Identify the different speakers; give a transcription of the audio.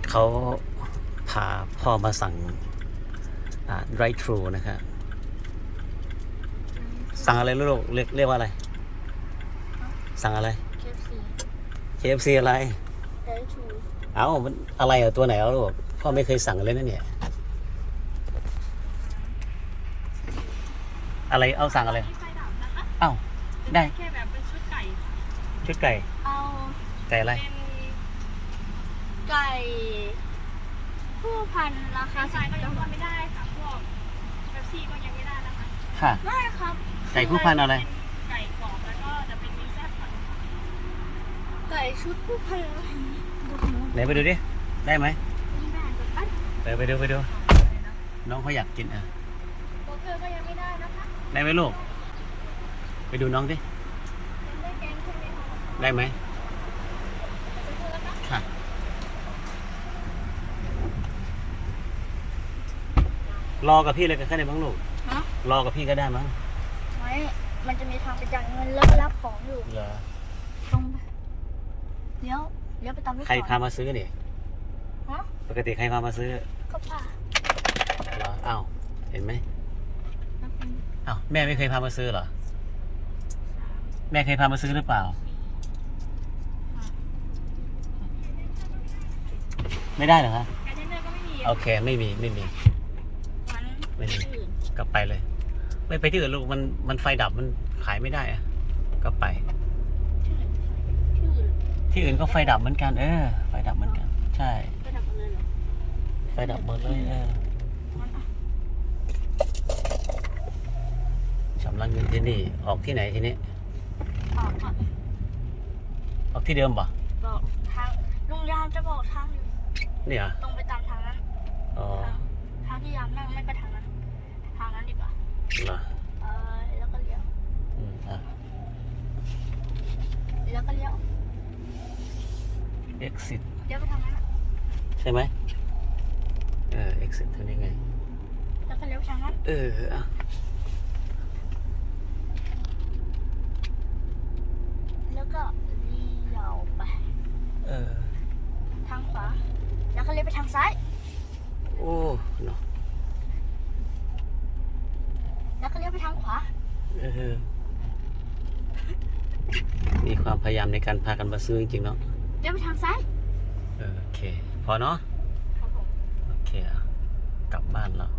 Speaker 1: เขาพาพ่อมาสั่งdrive thru นะครับสั่งอะไรลูกเรียกว่าอะไรสั่งอะไร
Speaker 2: KFC
Speaker 1: KFC อะไร
Speaker 2: Drive Thru
Speaker 1: เอ้ามันอะไรอ่ะตัวไหนอ่ะลูกพ่อไม่เคยสั่งเลยนะเนี่ยอะไรเอาสั่งอะไร
Speaker 3: ไฟดับนะคะ
Speaker 1: เอ้าได้
Speaker 3: แค่แบบเป็นชุดไก่ค่ะ
Speaker 1: ชุดไก่
Speaker 2: เอา
Speaker 1: ไก่อะไร
Speaker 3: เป็น
Speaker 2: ไก่ผู้พันราคา
Speaker 3: ขาสายก็ยังทำไม่ได้ค่ะพวกเป๊ปซี่ก็ยังไม่ได้นะคะ
Speaker 1: ค่ะ
Speaker 2: ได้ครับ
Speaker 1: ไก่ผู้พันอะไร
Speaker 3: เป็นไก่กรอบแล้วก็จะเป็นมีแซ่บค่ะ
Speaker 2: ไก่ชุดผู้พัน
Speaker 1: ไหนไปดูดิได้ไหม
Speaker 2: นี่ได้กับปั้น
Speaker 1: ไปดูน้องเขาอยากกินอ่ะ
Speaker 2: โบเกอร์ก็ยังไม่ได้นะคะ
Speaker 1: ได้ไหมลูกไปดูน้องดิ
Speaker 2: ยังได้แกงใช่ไหมคะ
Speaker 1: ได้ไหม
Speaker 2: จะพูดแล้วนะ
Speaker 1: ค่ะรอกับพี่เลยก็ได้มั้งลูก
Speaker 2: ฮะ
Speaker 1: รอกับพี่ก็ได้มั้ง
Speaker 2: ไม่มันจะมีทางไปจ่ายเงินแล้วก็รับของอยู่
Speaker 1: เหรอ
Speaker 2: ตรงไปเลี้ยวไปตามลูกศร
Speaker 1: ใครพามาซื้อเนี่ย
Speaker 2: ฮะ
Speaker 1: ปกติใครพามาซื้อ
Speaker 2: ก็ป่า
Speaker 1: เหรออ้าวเห็นไหม
Speaker 2: แล้วเป็น
Speaker 1: อ้าวแม่ไม่เคยพามาซื้อเหรอแม่เคยพามาซื้อหรือเปล่า ไม่ได้เหรอคะ
Speaker 3: ไก่เทนเนอร์ก็ไม่มี
Speaker 1: โอเคไม่มี
Speaker 2: มัน
Speaker 1: ไม่มี
Speaker 2: อื่น
Speaker 1: กลับไปเลย ไม่ไปที่อื่นลูกมันไฟดับมันขายไม่ได้อะก็ไป
Speaker 2: ที่อื่น
Speaker 1: ที่อื่นก็ไฟดับเหมือนกันไฟดับเหมือนกัน ใช่
Speaker 2: ไปดับหมดเลยเหรอ
Speaker 1: ไฟดับหมดเลยชำระเงินที่นี่ออกที่ไหนทีนี้
Speaker 2: ออกอ่ะ
Speaker 1: ออกที่เดิมป่ะ
Speaker 2: บอกทางลุงยามจะบอกทางอยู่
Speaker 1: เนี่ย
Speaker 2: ตรงไปตามทางนั้น
Speaker 1: อ๋อ
Speaker 2: ทางที่ยามนั่งไม่ก็ทางนั้น ทางนั้นดีกว่า
Speaker 1: เหรอ
Speaker 2: แล้วก็เลี้ยว
Speaker 1: อ่ะ
Speaker 2: แล้วก็เลี้ยว
Speaker 1: exit
Speaker 2: เลี้ยวไปทางนั้นอะ
Speaker 1: ใช่ไหมexit ทำยังไง
Speaker 2: แล้วก็เลี้ยวไปทางนั้น
Speaker 1: อ่ะ
Speaker 2: แล้วก็เลี้ยวไป ทางขวา แล้วก็เลี้ยวไปทางซ้าย
Speaker 1: โอ้เนาะ
Speaker 2: แล้วก็เลี้ยวไปทางขวา
Speaker 1: มีความพยายามในการพากันมาซื้อจริงๆเนาะ
Speaker 2: เลี้ยวไปทางซ้าย
Speaker 1: โอเค พอเนาะ
Speaker 2: ครับผม
Speaker 1: โอเคอ่ะกลับบ้านแล้ว